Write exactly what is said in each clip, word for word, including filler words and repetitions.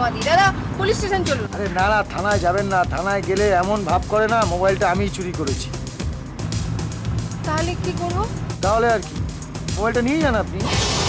জমা দিই। দাদা পুলিশ স্টেশন চলুন। আরে না না, থানায় যাবেন না। থানায় গেলে এমন ভাব করে না মোবাইলটা আমিই চুরি করেছি। তাহলে কি করবো? তাহলে আর কি, মোবাইলটা নিয়ে যান আপনি।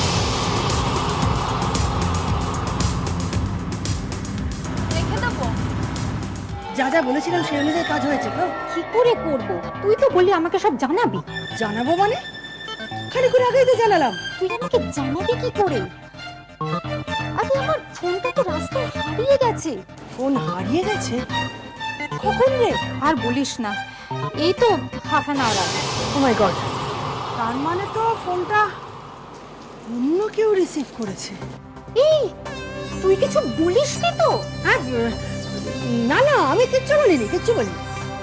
রেখে দেবো। যা যা বলেছিলাম সেই অনুযায়ী কাজ হয়েছে তো? কি করে করব? তুই তো বললি আমাকে সব জানাবি। জানাবো মানে? খালি করে আগেই তো জানালাম। তুই আমাকে জানাবি কি করে? আগে আমার ফোনটা তো রাস্তায় হারিয়ে গেছে। ফোন হারিয়ে গেছে? কখন রে? আর বলিস না, এই তো হাফ অ্যান আওয়ার আগে। ও মাই গড, তার মানে তো ফোনটা অন্য কেউ রিসিভ করেছে। এই তুই কিছু বলিসনি তো? হ্যাঁ, না না, আমি কিচ্ছু বলিনি, কিচ্ছু বলিনি।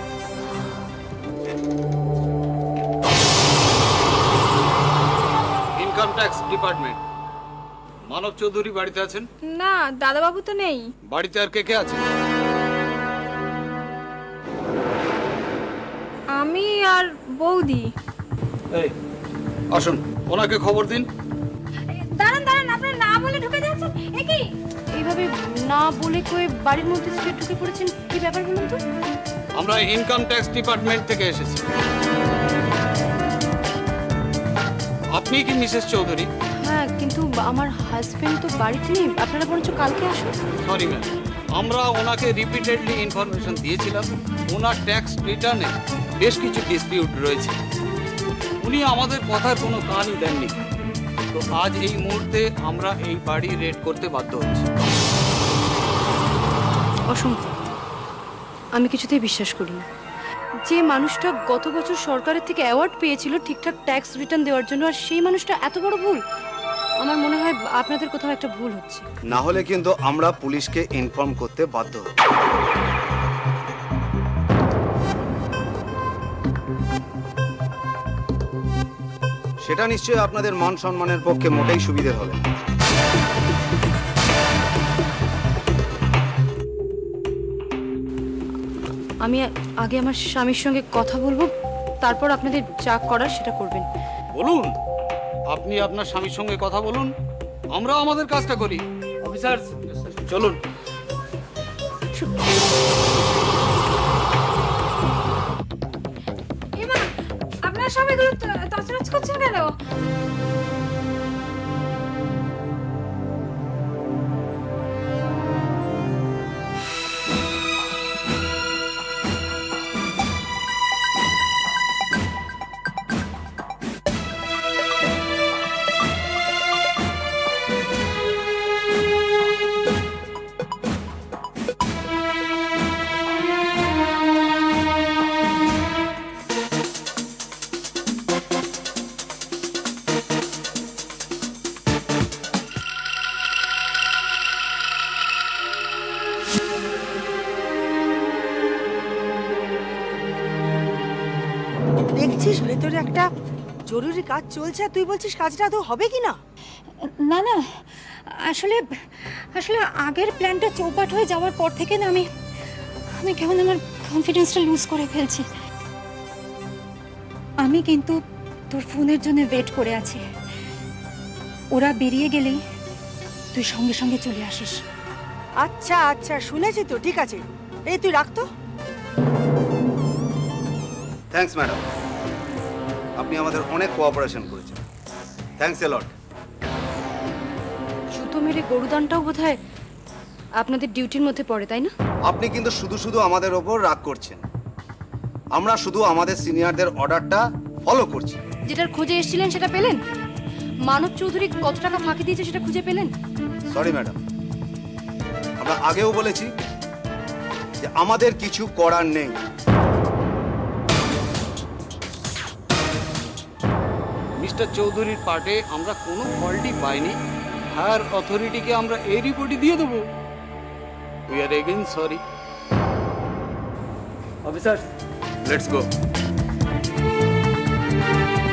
Income tax department. Manab Chowdhury বাড়িতে আছেন? না দাদাবাবু তো নেই। বাড়িতে আর কে কে আছে? আমি আর বৌদি। এই আসুন, ওনাকে খবর দিন। দাঁড়ান দাঁড়ান, আপনার না বলে ঢুকে যাচ্ছেন। এ কি এইভাবে না বলে কয়ে বাড়ির মধ্যে স্ট্রেট ঢুকে পড়েছেন, কি ব্যাপার বলুন তো? আমরা ইনকাম ট্যাক্স ডিপার্টমেন্ট থেকে এসেছি। আপনি কি মিসেস চৌধুরী? হ্যাঁ, কিন্তু আমার হাজবেন্ড তো বাড়িতে নেই। আপনারা বরঞ্চ কালকে আসুন। সরি ম্যাম, আমরা ওনাকে রিপিটেডলি ইনফরমেশন দিয়েছিলাম ওনার ট্যাক্স রিটার্নে বেশ কিছু ডিসপিউট রয়েছে। উনি আমাদের কথার কোনো কানই দেননি। তো আজ এই মুহূর্তে আমরা এই বাড়ি রেড করতে বাধ্য হচ্ছি। অসম্ভব, আমি কিছুতেই বিশ্বাস করি না। যে মানুষটা গত বছর সরকারের থেকে অ্যাওয়ার্ড পেয়েছিল ঠিকঠাক ট্যাক্স রিটার্ন দেওয়ার জন্য, আর সেই মানুষটা এত বড় ভুল। আমার মনে হয় আপনাদের কোথাও একটা ভুল হচ্ছে। না হলে কিন্তু আমরা পুলিশকে ইনফর্ম করতে বাধ্য হব। সেটা নিশ্চয়ই আপনাদের মান সম্মানের পক্ষে মোটেই সুবিধে হবে। আমি আগে আমার স্বামীর সঙ্গে কথা বলবো, তারপর আপনাদের যা করার সেটা করবেন। বলুন, আপনি আপনার স্বামীর সঙ্গে কথা বলুন, আমরা আমাদের কাজটা করি। অফিসার চলুন। এমা, আপনারা সব এগুলো তছনছ করছেন কেন? দেখছিস ভেতরে একটা জরুরি কাজ চলছে, আর তুই বলছিস কাজটা আদৌ হবে কি না? না না, আসলে আসলে আগের প্ল্যানটা চৌপাট হয়ে যাওয়ার পর থেকে না আমি আমি কেমন আমার কনফিডেন্সটা লুজ করে ফেলছি। আমি কিন্তু তোর ফোনের জন্য ওয়েট করে আছি। ওরা বেরিয়ে গেলেই তুই সঙ্গে সঙ্গে চলে আসিস। আচ্ছা আচ্ছা, শুনেছি তো, ঠিক আছে। এই তুই রাখ তো। থ্যাঙ্কস ম্যাডাম, আপনি আমাদের অনেক কোঅপারেশন করেছেন। Thanks a lot. সুতো মেরে গরুদানটাও বোধহয় আপনাদের ডিউটির মধ্যে পড়ে, তাই না? আপনি কিন্তু শুধু শুধু আমাদের ওপর রাগ করছেন। আমরা শুধু আমাদের সিনিয়রদের অর্ডারটা ফলো করছি। যেটার খোঁজে এসেছিলেন সেটা পেলেন? মানব চৌধুরী কত টাকা ফাঁকি দিয়েছে সেটা খুঁজে পেলেন? সরি ম্যাডাম, আমরা আগেও বলেছি যে আমাদের কিছু করার নেই। মিস্টার চৌধুরীর পার্টে আমরা কোনো ফল্টই পাইনি। হায়ার অথরিটিকে আমরা এই রিপোর্টই দিয়ে দেবো। We are again sorry. Officer let's go.